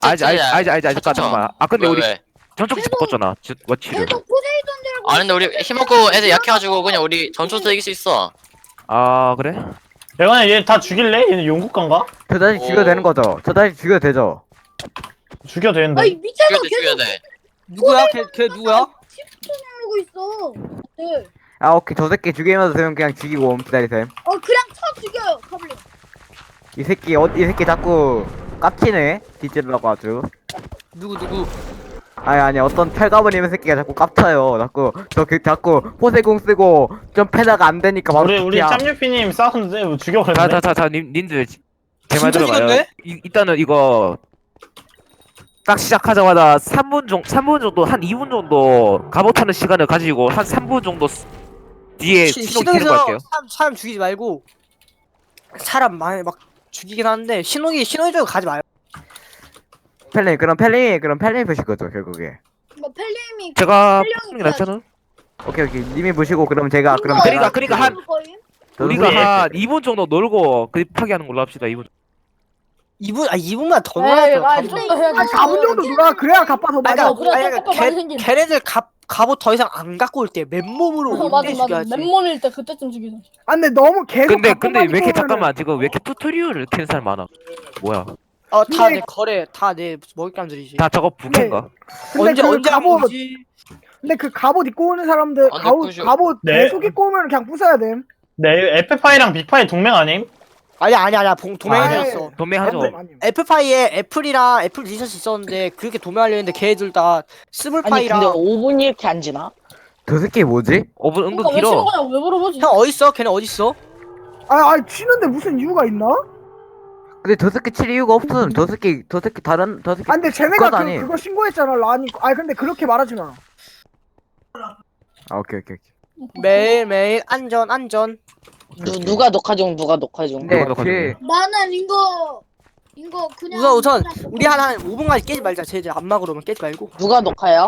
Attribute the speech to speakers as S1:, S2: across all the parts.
S1: 잠깐만. 아 근데 우리
S2: 왜?
S1: 전초기지 바꿨잖아. 워치를.
S3: 계속 포세이돈이라고.
S2: 아 근데 우리 힘없고 애들 약해가지고 그냥 우리 전초도 이길 수 있어.
S1: 아 그래?
S4: 내가 얘 다 죽일래? 얘는 용국간가?
S5: 저 다시 죽여도 되는 거죠? 저 다시 죽여도 되죠?
S4: 죽여도 되는데.
S3: 아니 밑에서
S2: 죽여야
S3: 계속
S2: 돼.
S6: 누구야? 걔 누구야?
S3: 시프트 누르고 있어. 네.
S5: 아 오케이 저 새끼 죽이면서 되면 그냥 죽이고 옴 기다리셈.
S3: 그냥 쳐 죽여요. 가블린.
S5: 이 새끼 이 새끼 자꾸 깝치네 뒤지려고 아주.
S6: 누구?
S5: 아니 어떤 탈가버님 새끼가 자꾸 깝쳐요. 자꾸 포세공 쓰고 좀 패다가 안 되니까 바로
S4: 우리
S5: 피야.
S4: 짬유피님 싸웠는데 뭐 죽여버렸네.
S1: 자 님들 제 말
S6: 진짜
S1: 들어봐요.
S6: 죽였네?
S1: 일단은 이거 딱 시작하자마자 3분 정도 한 2분 정도 갑옷하는 시간을 가지고 한 3분 정도 뒤에 신호 기는 거 할게요.
S6: 사람 죽이지 말고 사람 많이 막 죽이긴 하는데 신호기 쪽으로 가지 마요.
S5: 펠링 그럼 펠링이 보실 거죠 결국에.
S3: 뭐 펠림이
S1: 제가
S3: 펠링이
S1: 푸는 게 낫잖아.
S5: 오케이 님이 보시고 그럼 제가 그럼
S1: 그러니까 한-
S5: 저도
S1: 우리가
S5: 후에
S1: 한 2분 정도 놀고 그 파괴하는 걸로 합시다. 2분.
S6: 2분만 더
S7: 에이,
S6: 놀아줘.
S7: 좀더 해야지.
S8: 4분 정도 놀아. 그래야 갚아 더 많이.
S7: 그래, 조금 많이 생긴.
S6: 걔네들 갑옷 더 이상 안 갖고 올 때 맨몸으로
S7: 맞아
S6: 올때
S7: 맞아.
S6: 죽여야지.
S7: 맨몸일 때 그때쯤 죽이자.
S8: 아 근데 너무 계속.
S1: 근데
S8: 갖고
S1: 왜 이렇게
S8: 다니면은
S1: 잠깐만 지금 왜 이렇게 튜토리얼을 켜는 사람 많아? 뭐야?
S6: 다 내 거래, 다 내 먹잇감들이지.
S1: 다 저거 부캐인가?
S8: 근데 그
S6: 언제
S8: 갑옷.
S6: 오지?
S8: 근데 그 갑옷 입고 오는 사람들
S2: 아,
S8: 갑옷
S4: 네.
S8: 계속 입고 오면 그냥 부숴야 돼.
S4: 네, 에페파이랑 빅파이 동맹 아님?
S6: 아니야. 동맹이
S8: 아,
S6: 되었어.
S1: 도매하죠.
S6: 애플파이에 애플 리서치 있었는데 그렇게 도매하려 했는데 걔들 다
S9: 아니
S6: 스물파이랑
S9: 근데 5분이 이렇게 안 지나?
S5: 저 새끼 뭐지?
S1: 5분 은근
S7: 그러니까 왜 치는
S1: 길어.
S7: 거냐고 왜 물어보지?
S6: 형 어딨어? 걔네 어딨어?
S8: 아 치는데 무슨 이유가 있나?
S5: 근데 저 새끼 칠 이유가 없음. 저 새끼 다른 저 새끼.
S8: 아 근데 쟤네가
S5: 그건 아니.
S8: 그거 신고했잖아 라니. 아 근데 그렇게 말하지 마.
S5: 아 오케이.
S6: 매일매일 안전.
S9: 누가 녹화 중 누가 녹화 중.
S5: 근데
S1: 누가
S5: 그
S3: 나는 이거 그냥
S6: 우선 우리 한 5분까지 깨지 말자. 쟤들 안막으로만 깨지 말고.
S9: 누가 녹화요?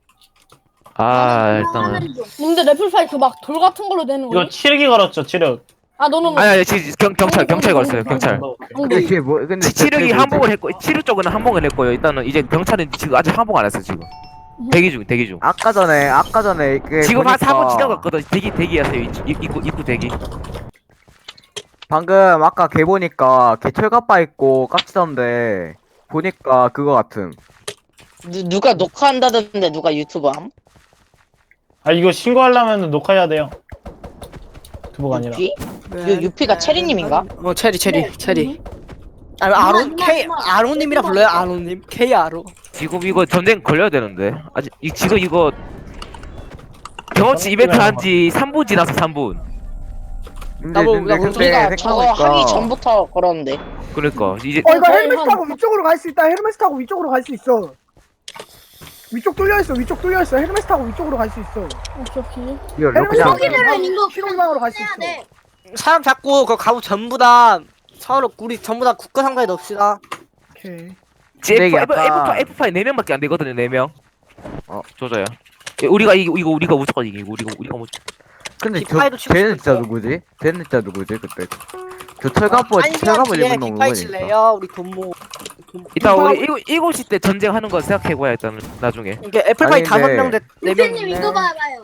S1: 일단은
S7: 근데 래플파이 그 막 돌 같은 걸로 되는 거야?
S4: 이거 치르기 걸었죠, 치르.
S7: 아 너는
S1: 아니 지금 경찰 걸었어요. 경찰.
S5: 근데 그게 뭐 근데
S1: 치르기
S5: 그게
S1: 항복을 했고 치르 쪽은 항복을 했고요. 일단은 이제 경찰은 지금 아직 항복 안 했어 지금. 대기 중.
S5: 아까 전에 그
S1: 지금 한
S5: 보니까
S1: 4분 지나갔거든. 대기하세요. 입구 대기.
S5: 방금 아까 걔 보니까 걔 철갑바 입고 깝치던데 보니까 그거 같음.
S9: 누가 녹화한다던데 누가 유튜브 함?
S4: 아, 이거 신고하려면 녹화해야 돼요. 두부가 아니라.
S9: 유피? 유피가 체리님인가?
S6: 체리. 아론 아론님이라 불러요. 아론님. K 아로.
S1: 지금 이거 전쟁 걸려야 되는데 아직 지금 이거 경험치 이벤트 한지 3분 지나서 3분.
S5: 근데
S6: 우리가
S9: 우리가 저거 하기 전부터 걸었는데.
S1: 그러니까 이제
S8: 이거 헬멧 타고 위쪽으로 갈 수 있다. 헬멧 타고 위쪽으로 갈 수 있어. 위쪽 뚫려 있어. 헬멧 타고 위쪽으로 갈 수 있어.
S7: 오케이.
S5: 이거
S8: 헬멧
S5: 그냥
S8: 타고
S3: 거기는 이거
S8: 신호방으로 갈 수 있어.
S3: 돼.
S6: 사람 잡고 그 가구 전부 다 서로 우리 전부 다 국가 상가에 넣읍시다.
S8: 오케이.
S5: 근데 이게 약간-
S1: F5 4명밖에 안 되거든요. 4명. 조져요. 우리가 무조건 이기고 우리가 무조건.
S5: 근데
S6: 빅파이도 치고
S5: 쟤는 진짜
S6: 싶었어.
S5: 누구지? 그때? 저 철갑바 입은 놈 누구니까?
S6: 빅파이칠래요? 우리 돈모.
S1: 일단 우리 7시 때 전쟁하는 거 생각해봐야 일단 나중에.
S6: 이게 애플파이
S5: 아니,
S6: 5명 대
S3: 선생님
S6: 4명.
S3: 이거 봐봐요.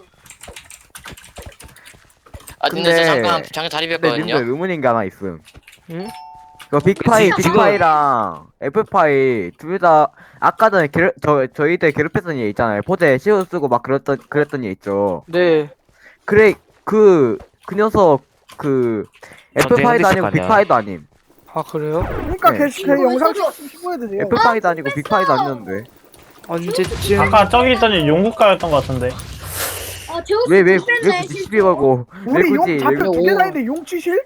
S2: 아 근데
S5: 근데-
S2: 잠깐 다리
S5: 근데 님들
S2: 뺐거든요.
S5: 의문인 게 하나 있음.
S6: 응?
S5: 그 빅파이랑 애플파이 둘 다 아까 전에 저희들 괴롭혔던 얘 있잖아요. 포제 시옷 쓰고 막 그랬던 얘 있죠.
S6: 네.
S5: 그래 그 녀석 그 애플파이도 아니고
S1: 전쟁 흔들
S5: 빅파이도 아님.
S6: 아 그래요?
S8: 그러니까
S5: 네.
S8: 걔 영상 찍었으면 신고해도 돼요.
S5: 애플파이도 아니고 빅파이도 아니었는데.
S6: 언제쯤?
S4: 아까 저기 있더니 용국가였던 것 같은데.
S3: 제우스
S5: 왜
S3: 죽겠네,
S5: 굳이 시비 걸고 왜
S8: 우리
S5: 굳이
S8: 용 잡혀
S9: 왜-
S8: 두개 다니는데 용 치실?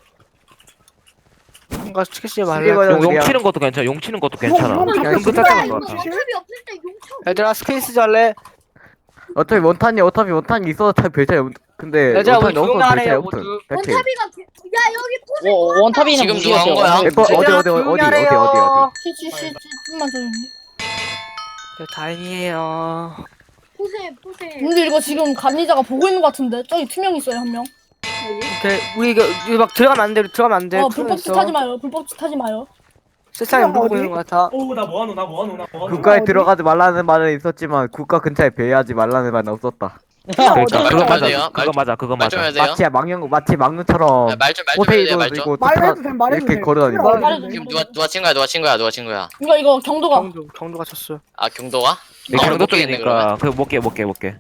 S6: 뭔가 치키씨
S5: 시비
S6: 말래.
S5: 걸고
S1: 용
S5: 그냥-
S1: 치는 것도 괜찮아. 용 치는 것도 괜찮아.
S8: 용
S5: 그냥
S8: 잡혀
S5: 그
S8: 두개
S5: 자체가
S8: 다니는
S5: 좋아.
S8: 용 치실?
S3: 어차피 없을 때 용쳐.
S6: 얘들아 스케이스 할래?
S5: 어차피 원탄이 있어도 잘 별 차이 없. 근데
S6: 얘들아 우리
S5: 원탄이 없어도 별 차이
S6: 조용하래요
S5: 없음.
S6: 모두.
S5: 백킬.
S3: 원탑이가 야 여기 포세.
S9: 원탑이는
S2: 지금
S9: 무시했어요.
S2: 누가 한 거야?
S5: 에퍼 어디.
S7: 쉬 좀만 조용히.
S6: 다행이에요.
S3: 포세.
S7: 근데 이거 지금 감리자가 보고 있는 것 같은데 저기 투명 있어요 한 명.
S6: 오케이 우리 이거 막 들어가면 안 돼. 들어가면 안 돼.
S7: 불법 짓 하지 마요. 불법 짓 하지 마요.
S6: 세상에
S8: 어디?
S6: 모르고 있는 것 같아.
S5: 국가에 들어가지 말라는 말은 있었지만 국가 근처에 배회하지 말라는 말은 없었다.
S1: 그러니까
S2: 말
S1: 그거
S2: 좀 해야
S1: 맞아.
S2: 돼요.
S1: 그거 맞아. 그거
S2: 말 좀
S1: 맞아.
S2: 해야 돼요.
S5: 마치 망령처럼
S2: 말 좀 해야 돼요.
S5: 포세이돈
S2: 말 좀.
S5: 그리고
S8: 말해도 돼, 말해도
S5: 이렇게
S8: 돼.
S5: 걸어다니고.
S8: 말해도
S7: 말해도
S8: 돼.
S2: 지금 누가 친구야.
S7: 이거 경도가.
S6: 경도가 쳤어.
S2: 아 경도가?
S1: 내
S2: 아,
S1: 경도
S2: 못 깨겠네, 그러면.
S1: 쪽이니까 그 못 깨.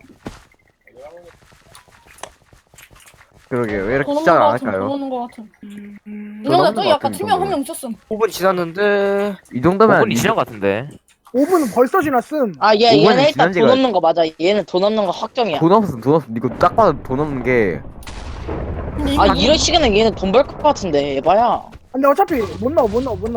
S5: 그러게 왜 이렇게
S7: 돈
S5: 시작을
S7: 없는 거
S5: 안
S7: 같은. 돈
S5: 할까요?
S7: 없는 거 같은.
S5: 돈
S7: 이거
S5: 없는
S7: 저기
S5: 거
S7: 아까
S5: 같은
S7: 투명 한
S5: 정도면.
S7: 명 있었음.
S6: 5분 지났는데.
S5: 이 정도면
S1: 5분이 지난 것 같은데.
S8: 5분은 벌써 지났음.
S9: 아, 얘,
S5: 오븐이
S9: 얘는 일단
S5: 지난
S9: 돈
S5: 지가-
S9: 없는 거 맞아. 얘는 돈 없는 거 확정이야.
S5: 돈 없음 이거 딱 봐도 돈 없는 게
S7: 근데 이거
S9: 아, 이런 시간에 얘는 돈 벌 것 같은데, 에바야.
S8: 근데 어차피 못 나와.
S7: 못 넘.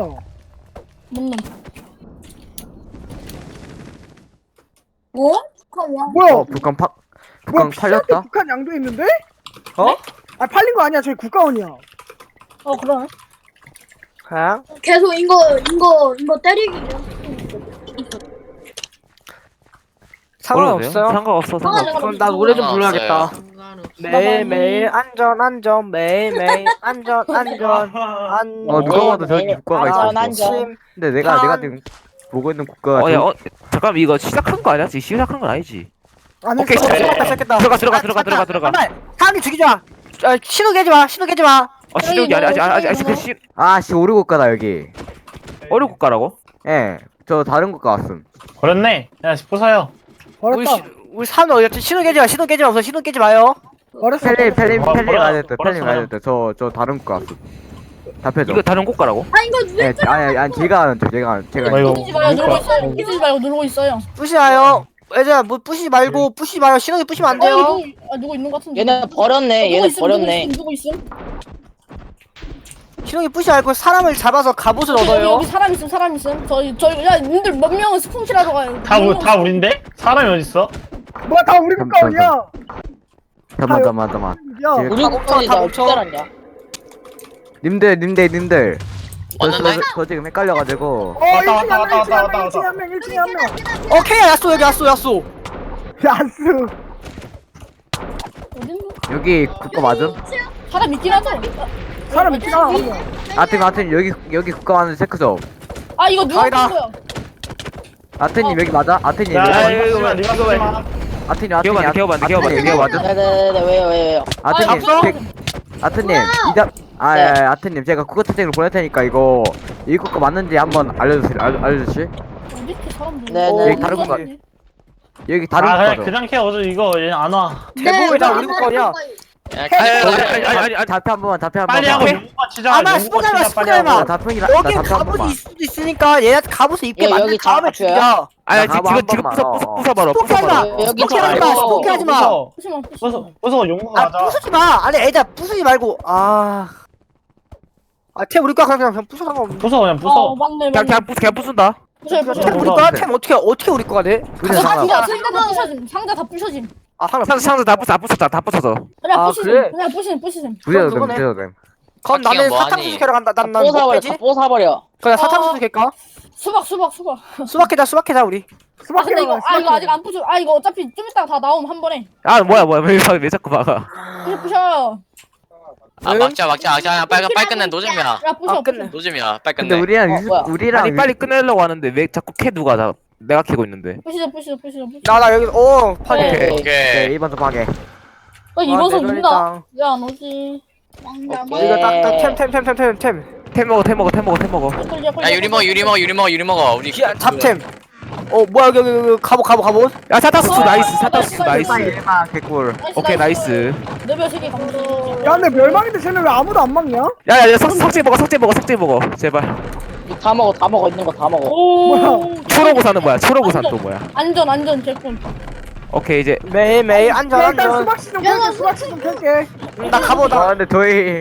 S3: 뭐? 잠깐만.
S8: 뭐야?
S5: 북한
S8: 뭐야?
S5: 팔렸다?
S8: 피자한테 북한 양도 있는데?
S6: 어?
S8: 아 팔린 거 아니야. 저기 국가원이야.
S7: 그러네.
S6: 그냥
S3: 계속 이거 때리기.
S6: 상관없어요.
S1: 상관없어.
S6: 그럼 나 노래 좀
S2: 상관없어요.
S6: 불러야겠다. 매일매일 안전 매일매일 안전
S5: 누가 봐도 저기 국가가 있었어.
S9: 안전.
S5: 근데 내가 지금 보고 있는 국가가
S1: 어야 잠깐만 이거 시작한 거 아니야? 지금 시작한 건 아니지.
S8: 안
S1: 오케이,
S8: 했어.
S6: 시작했다.
S1: 들어가.
S6: 사람이 죽이지 마. 신호 깨지 마.
S1: 시작이 아직 그 시
S5: 아씨 오류 국가다 여기.
S1: 어려 국가라고?
S5: 예, 저 다른 국가 왔음.
S4: 버렸네. 야, 부숴요.
S8: 버렸다.
S6: 우리 사람 어디였지? 신호 깨지 마. 없어. 신호 깨지 마요.
S8: 버렸어.
S5: 펠림
S4: 버렸어.
S5: 가야 됐다. 펠림
S4: 버렸어.
S5: 가야 됐다. 저 다른 국가 왔음. 답해줘.
S1: 이거 다른 국가라고?
S3: 아 이거 누
S5: 예, 아니 제가 아는 제가
S4: 이거
S7: 뿌리지 마요. 누르고 있어요.
S4: 누가-
S7: 뿌리지 말고 누르고 있어요.
S6: 부시지 마요. 얘들아 뭐 부시지 마요. 신호기 부시면 안 돼요.
S7: 누구 있는 것 같은데.
S9: 얘는 버렸네. 얘는 버렸네.
S7: 누구 있음?
S6: 신호기 부시지 말고 사람을 잡아서 갑옷을
S7: 여기
S6: 얻어요.
S7: 사람 있음. 저희 야 님들 몇 명은 스폰키라도 가요.
S4: 다 우린데? 사람이 어딨어?
S8: 뭐야 다 우리 국가원이야.
S5: 잠깐만.
S8: 야.
S5: 지금
S9: 우리 국가에 나 어떻게 알았냐?
S5: 님들.
S2: 왔는데?
S5: 저 지금 헷갈려가지고.
S4: 왔다,
S8: 1층에 한 명,
S4: 왔다.
S8: 1층에 한 명.
S6: 오케이 야쏘 여기 야쏘.
S8: 야스.
S7: 어딨노?
S5: 여기 국가 맞음?
S7: 사람 있긴 하죠.
S8: 사람 있긴 하나.
S5: 아트님 여기 국가 왔는 체크죠.
S7: 아 이거 누가
S6: 아니다.
S7: 본 거야?
S5: 아트님 여기 맞아? 아트님
S4: 야,
S5: 여기
S4: 이거 쓰지 마. 니가 쓰지 마.
S5: 아트님
S1: 기어봐.
S5: 맞음?
S9: 네네네, 왜요?
S5: 아트님 아트님 아트님 제가 국어 채팅을 보낼 테니까 이거 이 국가 맞는지 한번 알려주실?
S7: 어디 이렇게 사람들?
S9: 네,
S5: 네. 다른 국가. 여기 다른
S4: 아,
S5: 국가죠.
S4: 그냥 캐. 어제 이거 얘는 안 와.
S6: 대부분 다 우리 국가원이야.
S1: 아니
S5: 답해 한 번만.
S4: 빨리 하고
S6: 오케이.
S4: 용과 치자.
S6: 아마
S4: 용과
S6: 스포츠가
S4: 치자, 빨리
S6: 스포츠가
S4: 하고.
S5: 답변이라
S6: 여기
S5: 답해 한
S6: 갑옷이
S5: 번만.
S6: 있을 수도 있으니까 얘한테 갑옷을 입게
S9: 예,
S6: 만든
S9: 여기
S6: 다음에
S9: 다
S6: 죽여.
S1: 아니
S5: 나 가봐,
S1: 지금
S5: 한 번만.
S1: 부숴봐라.
S9: 여기
S6: 스포키 하지 마.
S9: 저
S6: 스포키 하지 마.
S4: 부숴 용과 가자.
S6: 부수지 마. 아니 애들 부수지 말고. 템 우리 거 그냥 부수 상관없는데.
S4: 부숴 그냥 부숴.
S7: 맞네.
S1: 그냥 부순다.
S7: 부셔요.
S6: 템 우리 거야? 템 어떻게 우리 거가 돼?
S5: 우리는 상관.
S7: 상자 다 부셔짐.
S6: 상관.
S1: 다 부숴서.
S7: 그냥
S6: 아,
S7: 부시셈.
S6: 그래?
S7: 그냥 부시셈.
S5: 부셔도
S6: 그거네.
S5: 됨.
S6: 그럼
S2: 바퀴가
S6: 나는
S2: 뭐하니?
S6: 사탕수수 캐러 간다. 난못
S9: 뽀사버려,
S6: 빼지?
S9: 뽀사버려.
S6: 그냥 사탕수수 캘까?
S7: 수박.
S6: 수박 캐자 우리.
S7: 아 근데 이거 이거 아직 안 부셔. 이거 어차피 좀 이따가 다 나오면 한 번에.
S1: 아 뭐야 왜 자꾸 막아?
S7: 부셔요.
S2: 막자. 빨리 끝내. 노잼이야.
S7: 야 부셔.
S6: 끝내.
S2: 노잼이야. 빨리
S5: 근데
S2: 끝내.
S5: 우리랑
S1: 아니 빨리 끝내려고 하는데 왜 자꾸 캐 누가 내가 캐고 있는데.
S7: 부시죠.
S6: 나 여기 파괴.
S2: 오케이.
S5: 네, 이번 주 파괴.
S7: 이번 선
S6: 내
S7: 누구나? 왜안 오지?
S6: 이거 템.
S1: 템 먹어.
S2: 야 유리 먹어. 우리
S6: 잡템. 뭐야 여기 갑옷.
S1: 야 사타수수 나이스.
S5: 일마 개꿀.
S1: 오케이 나이스.
S7: 레벨 3개 감도.
S8: 야 근데 멸망인데 쟤는 왜 아무도 안 막냐?
S1: 야야 석재 먹어 제발.
S9: 다 먹어. 있는 거 다 먹어.
S7: 오.
S1: 초록우산은 뭐야? 초록우산 또 뭐야?
S7: 안전 개꿀.
S1: 오케이 이제
S6: 매일
S8: 야, 일단
S6: 안전.
S8: 수박씨 좀 캘게.
S6: 나 갑옷.
S5: 근데 저희